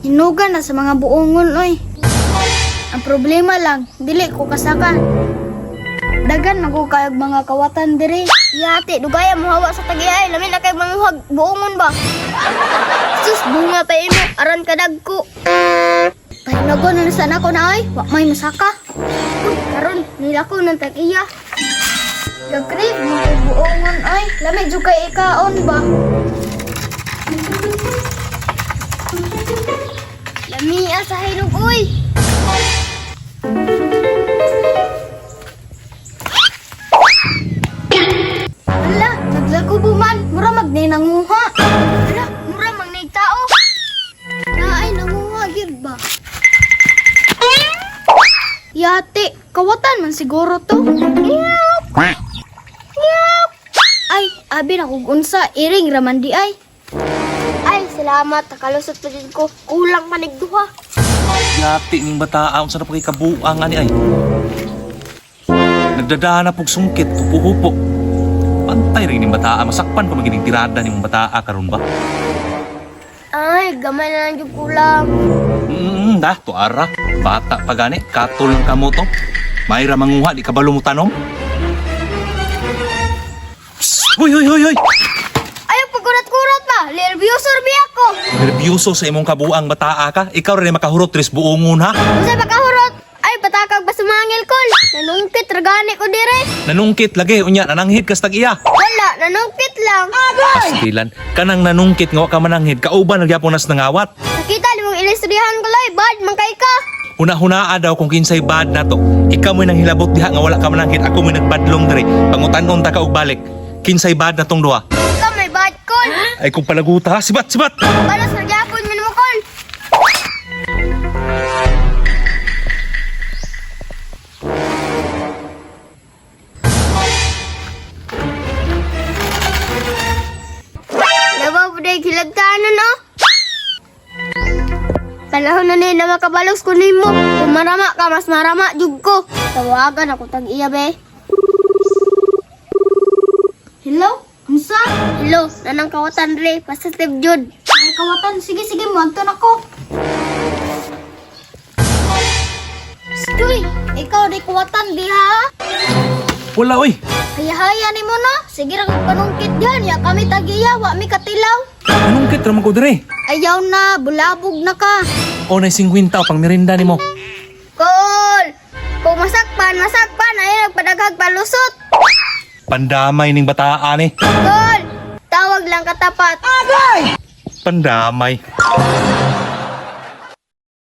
Hinugan na sa mga buongon, oy. Ang problema lang, dili ko kasaka. Dagan na ko kayag mga kawatan diri. Yate, dugaya mo hawa sa tagiay. Lamin na kay manguhag. Buongon ba? Sus, bunga pa mo. Aran ka dagko. Pahinagon na sana ko na ay, wa may masaka. Uy, karon nila ko ng tagiya. Gagrib, mga buongon ay. Lamig jud kay ikaon ba? Lamia sa hinog, uy. Ala, naglakubo man. Mura magnay nanguha. Ala, mura mang nagtao. Naay nanguha gyud ba? Yate, kawatan man siguro to. Ay, abi na kog unsa iring raman di ay. Ay, salamat. Nakalusot pa din ko. Kulang manigduha. Yati ning bataa unsa na pa kay kabuang ani ay. Nagdadana pog sungkit, hupo-hupo. Pantay rin ning bataa, masakpan pa magining tirada ning bataa karon ba? Ay, gamay na lang yung kulang. Da, tuara. Bata pa gani, katol lang kamo to. Mayra manguha, di kabalo mo tanom. Psst! Hoy, hoy, hoy, hoy! Ayaw, pagkurat-kurat pa. Nervyosor bi ako. Nerbyuso sa imong kabuang bataa ka. Ikaw rin makahurot tris buongon ha. Usay pagkahurot. Ay, patakag ba sumangil kol? Nanungkit, ragani ko dire. Nanungkit lagi, unya, nananghid kas tag-iya. Wala, nanungkit lang. Pastilan, kanang nanungkit nga wa ka mananghid, kauban nagyapon nas nangawat. Nakita ni mong ilistrihan ko loy. Bad, mangkay ka. Huna-hunaa daw kung kinsay bad na to. Ikaw mo'y nang hilabot diha nga wala ka mananghid, ako mo'y nagbadlong diri. Pangutan-on ta ka og balik. Kinsay bad na tong duha. Ikaw may bad kol. Ay kung palaguta ha, sibat, sibat! Balas nagyapon mo mo kol. Labaw po dahil hilagtanan no? Panahon na na makabalos ko nimo. Kung marama ka, mas marama jug ko. Tawagan ako tag-iya be. Hello? Unsa? Hello, nanang kawatan re, positive jud. Ay kawatan, sige sige mo na ko. Stoy, ikaw di kawatan di ha? Wala oy! Haya-haya ni mo na. Sige ra kog panungkit diyan, ya kami tagiya, wa mi katilaw. Nanungkit raman ko diri. Ayaw na, bulabog na ka. O na 50 pang merinda nimo. Kol! Kung masakpan, ayun nagpadaghag palusot. Pandamay ning bataan eh. Kol! Tawag lang katapat. Pandamay.